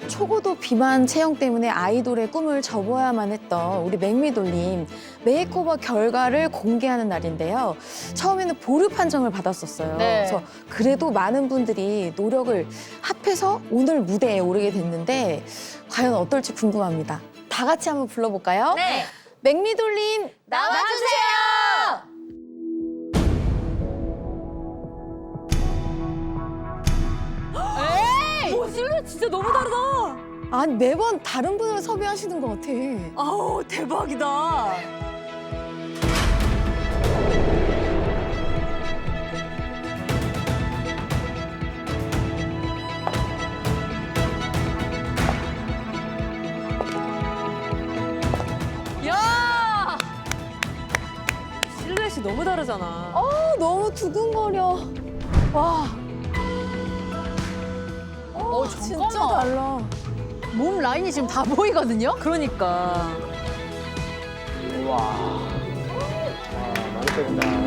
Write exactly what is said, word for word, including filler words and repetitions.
초고도 비만 체형 때문에 아이돌의 꿈을 접어야만 했던 우리 맥미돌님 메이크오버 결과를 공개하는 날인데요. 처음에는 보류 판정을 받았었어요. 네. 그래서 그래도 많은 분들이 노력을 합해서 오늘 무대에 오르게 됐는데 과연 어떨지 궁금합니다. 다 같이 한번 불러볼까요? 네. 맥미돌님 나와주세요. 에이! 오, 실루엣 진짜 너무 다르다. 아니 매번 다른 분을 섭외하시는 것 같아. 아우, 대박이다. 야! 실루엣이 너무 다르잖아. 어, 너무 두근거려. 와. 어, 진짜 달라. 몸 라인이 지금 다 보이거든요? 그러니까. 우와. 와, 많이 빼린다.